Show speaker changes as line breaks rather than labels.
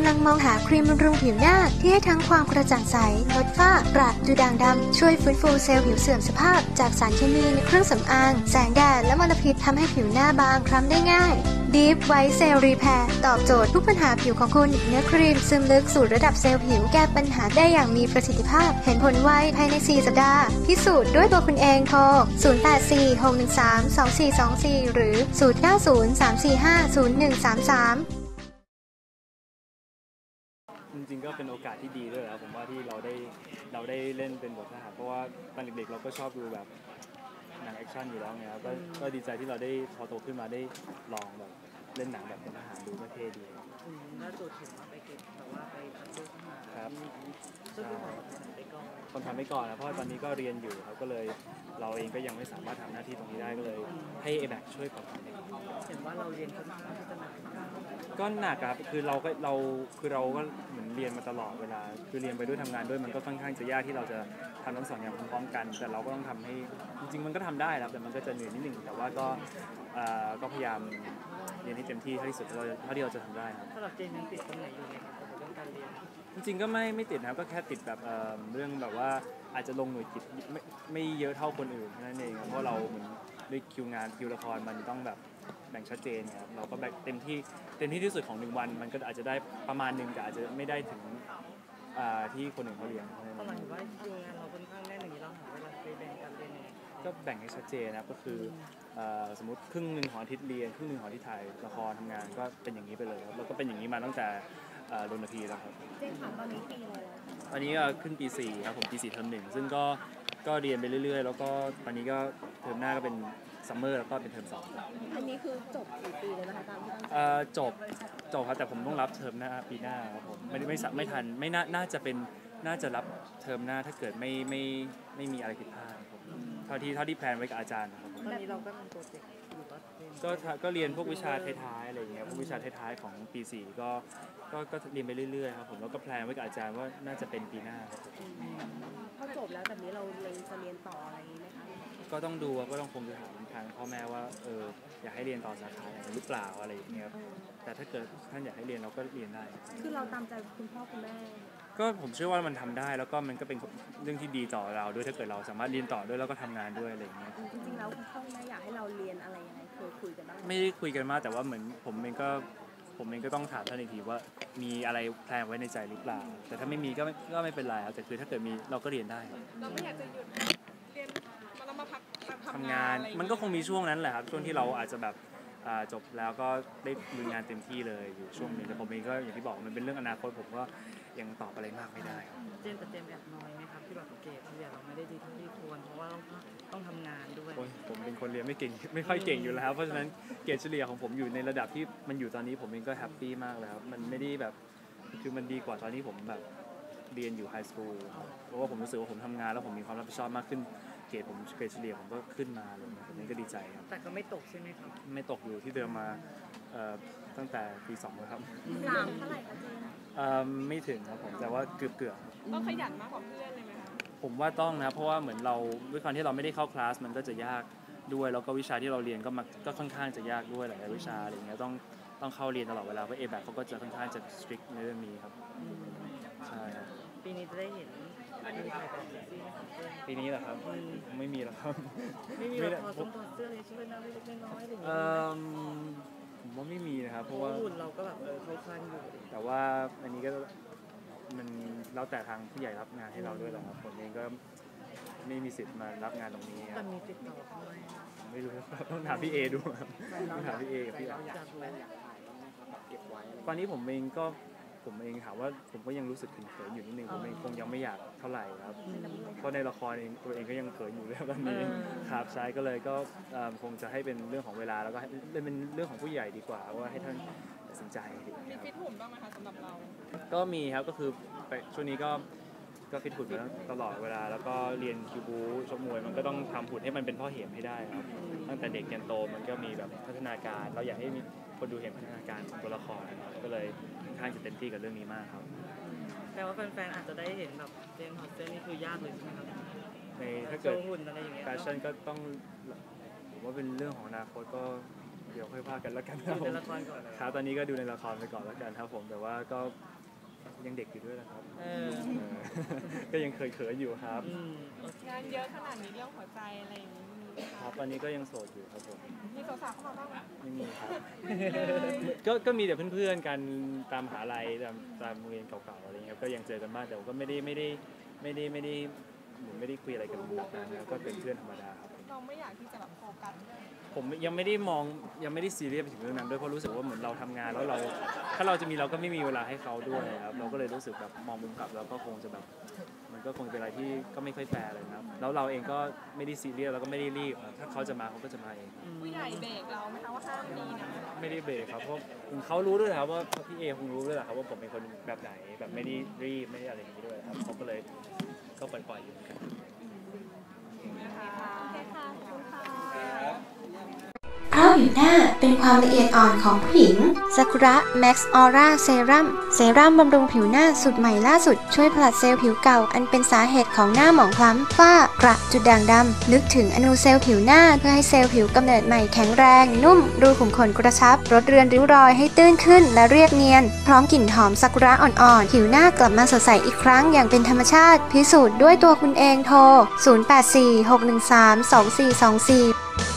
ำลังมองหาครีมบำรุงผิวหน้าที่ให้ทั้งความกระจ่างใสลดฝ้ากระดูด่างดำช่วยฟื้นฟูเซลล์ผิวเสื่อมสภาพจากสารเคมีในเครื่องสำอางแสงแดดและมลพิษทำให้ผิวหน้าบางคล้ำได้ง่าย Deep White Cell Repair ตอบโจทย์ทุกปัญหาผิวของคุณเนื้อครีมซึมลึกสู่ระดับเซลล์ผิวแก้ปัญหาได้อย่างมีประสิทธิภาพเห็นผลไวภายใน4สัปดาห์พิสูจน์ด้วยตัวคุณเองโทร0846132424หรือ0903450133
จริงๆก็เป็นโอกาสที่ดีด้วยครับผมว่าที่เราได้เล่นเป็นบททหารเพราะว่าตอนเด็กๆเราก็ชอบดูแบบหนังแอคชั่นอยู่แล้วไงครับก็ดีใจที่เราได้พอโตขึ้นมาได้ลองแบบเล่นหนังแบบเป็นทหารดูก็เท่ดี
น่าจะเห็นว่าไปเก็บแต่ว่าไปคัดเลือกทหาร
ครับ
ก็คือของไปก่อน
คนทำไปก่อนนะเพราะว่าตอนนี้ก็เรียนอยู่ครับก็เลยเราเองก็ยังไม่สามารถทำหน้าที่ตรงนี้ได้ก็เลยให้ABACช่วยก่อน
เห็นว่าเราเรียนค่อนข้างที่จะหนัก
ก็หนักครับคือเราก็เหมือนเรียนมาตลอดเวลาคือเรียนไปด้วยทำงานด้วยมันก็ค่อนข้างจะยากที่เราจะทำทั้งสองอย่างพร้อมๆกันแต่เราก็ต้องทำให้จริงๆมันก็ทำได้ครับแต่มันก็จะเหนื่อยนิดนึงแต่ว่าก็พยายามเรียนให้เต็มที่เท่าที่สุดเท่าที่เราจะทำได้ครับ
ถ้าเราเจนยังติดตรงไหนอยู่ไหมครับเรื่องการเรียน
จริงๆก็ไม่ติดนะครับก็แค่ติดแบบเรื่องแบบว่าอาจจะลงหน่วยกิจไม่เยอะเท่าคนอื่นนั่นเองเพราะเราเหมือนด้วยคิวงานคิวละครมันต้องแบบแบ่งชัดเจนครับเราก็แบ่งเต็มที่ที่สุดของ1วันมันก็อาจจะได้ประมาณนึงแต่อาจจะไม่ได้ถึงที่คนอื่นเขาเรียน
ตอนหลังว่าคิวงานเราค่อนข้างแน่นอย่างนี้เราหาเวลาไปแบ่งการเรียน
ก็แบ่งให้ชัดเจนนะครับก็คือสมมติครึ่งนึงของอาทิตย์เรียนครึ่งนึงของอาทิตย์ถ่ายละครทำงานก็เป็นอย่างนี้ไปเลยครับแล้วก็เป็นอย่างนี้มาตั้งแต่รณพีแล้วครับ
เจนถามตอนนี้ปีอะไรแล้ว
ตอนนี้ขึ้นปี4ครับผมปี4เทอม1ซึ่งก็เรียนไปเรื่อยๆแล้วก็ตอนนี้ก็เทอมหน้าก็เป็นซัมเมอร์แล้วก็เป็นเทอม2
อันนี้คือจบกี่ปีเลยนะคะตามที่ตั้งใจ
จบครับแต่ผมต้องรับเทอมหน้าปีหน้าครับผมไม่ทันไม่น่าจะรับเทอมหน้าถ้าเกิดไม่มีอะไรผิดพลาดครับเท่าที่แพลนไว้กับอาจารย์ครับ
ตอนนี้เราก็เป็นโปรเจกต์อยู่
ก็เรียนพวกวิชาท้ายๆอะไรอย่างเงี้ยพวกวิชาท้ายๆของปี4ก็เรียนไปเรื่อยๆครับผมแล้วก็แพลนไว้กับอาจารย์ว่าน่าจะเป็นปีหน้าครับ
พอจบแล้วแบบนี้เราจะเรียนต่ออะไรอย่างนี้ไหมคะ
ก็ต้องดูก็ต้องคงจะถามทางพ่อแม่ว่าอยากให้เรียนต่อสาขาไหนหรือเปล่าอะไรอย่างเงี้ยแต่ถ้าเกิดท่านอยากให้เรียนเราก็เรียนได้
คือเราตามใจคุณพ่อคุณแม่
ก็ผมเชื่อว่ามันทำได้แล้วก็มันก็เป็นเรื่องที่ดีต่อเราด้วยถ้าเกิดเราสามารถเรียนต่อด้วยแล้วก็ทำงานด้วยอะไรอย่างเงี้ย
จริงๆแล้วคุณพ่อคุณแม่อยากให้เราเรียนอะไรยังไงเคยคุยกันบ้าง
ไม่ได้คุยกันมากแต่ว่าเหมือนผมเองก็ต้องถามท่านอีกทีว่ามีอะไรแพลนไว้ในใจหรือเปล่าแต่ถ้าไม่มีก็ไม่เป็นไรครับแต่คือถ้าเกิดมีเราก็เรียนได้
เราไม่อยากจะหยุดเรียนแล้วมาพัก
ทำงานมันก็คงมีช่วงนั้นแหละครับช่วงที่เราอาจจะแบบจบแล้วก็ได้ลุยงานเต็มที่เลยอยู่ช่วงนึงแต่ผมเองก็อย่างที่บอกมันเป็นเรื่องอนาคตผมก็ยังตอบอะไรมากไม่ได้ครับ
เจมแอบน้อยไหมครับที่แบบเกรดเราไม่ได้ดีเท่าที่ควรเพราะว่าต้องทำงานด้วย
ผมเป็นคนเรียนไม่ค่อยเก่งอยู่แล้วเพราะฉะนั้นเกรดเฉลี่ยของผมอยู่ในระดับที่มันอยู่ตอนนี้ผมเองก็แฮปปี้มากแล้วมันไม่ได้แบบคือมันดีกว่าตอนที่ผมแบบเรียนอยู่ไฮสคูลเพราะว่าผมรู้สึกว่าผมทำงานแล้วผมมีความรับผิดชอบมากขึ้นเกรดเฉลี่ยผมก็ขึ้นมาเลยผมนี่ก็ดีใจครับ
แต่ก็ไม่ตกใช่ไหมครับ
ไม่ตกอยู่ที่เดิมมาตั้งแต่ปี2แล้วครับ
3เท่าไหร่คะเจน
ไม่ถึงครับผมแต่ว่าเกือบ
ต้องขยันมากกว่าเพื่อนเลยไหมคะ
ผมว่าต้องนะเพราะว่าเหมือนเราด้วยความที่เราไม่ได้เข้าคลาสมันก็จะยากด้วยแล้วก็วิชาที่เราเรียนก็ค่อนข้างจะยากด้วยหลายวิชาอะไรเงี้ยต้องเข้าเรียนตลอดเวลาเพราะABACเขาก็จะค่อนข้างจะ strict ในเรื่องนี้ครับใช่ครับ
ปีนี้จะได้เห็น
ปีนี้เหรอครับไม่มีหรอกครับ
ไม่มีละครต้องถอดเสื้อเลยช่วยน้ำเล็กน้อยอะไรอย่างเงี้ย
ผมว่าไม่มีนะครับเพราะว่า
หุ่นเราก็แบบเขาคลั่งอยู่
แต่ว่าอันนี้ก็มันแล้วแต่ทางผู้ใหญ่รับงานให้เราด้วยแหละครับผมเองก็ไม่มีสิทธิ์มารับงานตรงนี้
แต่มีติดต่อเข้ามา
ไม่รู้ต้องถามพี่เอดูต้องถามพี่เอกับพี่
อยาก
ตอนนี้ผมเองถามว่าผมก็ยังรู้สึกเขินอยู่นิดนึงผมเองคงยังไม่อยากเท่าไหร่ครับเพราะในละครเองตัวเองก็ยังเขินอยู่แล้วตอนนี้ครับใช่ก็เลยก็คงจะให้เป็นเรื่องของเวลาแล้วก็เป็นเรื่องของผู้ใหญ่ดีกว่าว่าให้ท่านตัดสินใจ
มีฟิตหุ่นบ้างไหมคะสำหรับเรา
ก็มีครับก็คือช่วงนี้ก็ฟิตหุ่นมาตลอดเวลาแล้วก็เรียนคิวบูชกมวยมันก็ต้องทำหุ่นให้มันเป็นพ่อเหมให้ได้ครับตั้งแต่เด็กยันโตมันก็มีแบบพัฒนาการเราอยากให้มีคนดูเห็นพัฒนาการของตัวละครก็เลยค่อนข้างจะเต็มที่กับเรื่องนี้มากครับ
แต่ว่าแฟนๆอาจจะได้เห็นแบบเจมส์ฮอตเซนนี่คือยากเลยใช่ไหมครับ
ในถ้าเกิด
หุ่นอะไรอย่างเงี้ย
แฟชั่นก็ต้องผมว่าเป็นเรื่องของอนาคตก็เดี๋ยวค่อยว่ากันแล้วกันค
ดู
รับผ
ใน
ม
ละครก่อน
ครับตอนนี้ก็ดูในละครไปก่อนแล้วกันครับผมแต่ว่าก็ยังเด็กอยู่ด้วยนะครับ
เออ
ก็ยังเขินๆอยู่ครับ
งานเยอะขนาดนี้เรื่องหัวใจอะไรอย่างนี้มีไหม
ค
คะ
รับตอนนี้ก็ยังโสดอยู่ครับผม
มีสาวๆเข้ามาบ้างไหม
ไม่มีครับ ก็มีแต่เพื่อนๆกันตามมหาลัยตามโรงเรียนเก่าๆอะไรเงี้ยครับก็ยังเจอกันบ้างแต่ว่าก็ไม่ได้เหมือนไม่ได้คุยอะไรกันแบบนั้นนะครับก็เป็นเพื่อนธรรมดาครับ
เราไม่อยากที่จะแบบโฟกัส
ผมยังไม่ได้ซีเรียสไปถึงเรื่องนั้นด้วยเพราะรู้สึกว่าเหมือนเราทำงานแล้วเราถ้าเราจะมีเราก็ไม่มีเวลาให้เขาด้วยครับเราก็เลยรู้สึกแบบมองมุมกลับแล้วก็คงจะแบบมันก็คงเป็นอะไรที่ก็ไม่ค่อยแฟร์เลยครับแล้วเราเองก็ไม่ได้ซีเรียสแล้วก็ไม่ได้รีบครับถ้าเขาจะมาเขาก็จะมาเอง
ผู้ใหญ่เบรกเราไหมคะว่าห้ามมีนะ
ไม่ได้เบรกครับเพราะเขารู้ด้วยครับว่าพี่เอคงรู้ด้วยแหละครับว่าผมเป็นคนแบบไหนแบบไม่ได้รีบไม่ได้อะไรอย่างนี้ด้วยครับเขาก็เลยก็ปล่อยๆอยู่เหมือนกัน
โอเคค่ะ ขอบคุณค่ะ
เพราะผิวหน้าเป็นความละเอียดอ่อนของผู้หญิงซากุระแม็กซ์ออร่าเซรั่มบำรุงผิวหน้าสูตรใหม่ล่าสุดช่วยผลัดเซลล์ผิวเก่าอันเป็นสาเหตุของหน้าหมองคล้ำฝ้ากระจุดด่างดำลึกถึงอนูเซลล์ผิวหน้าเพื่อให้เซลล์ผิวกำเนิดใหม่แข็งแรงนุ่มรูขุมขนกระชับลดเรือนริ้วรอยให้ตื้นขึ้นและเรียบเนียนพร้อมกลิ่นหอมซากุระอ่อนๆผิวหน้ากลับมาสดใสอีกครั้งอย่างเป็นธรรมชาติพิสูจน์ด้วยตัวคุณเองโทร 0846132424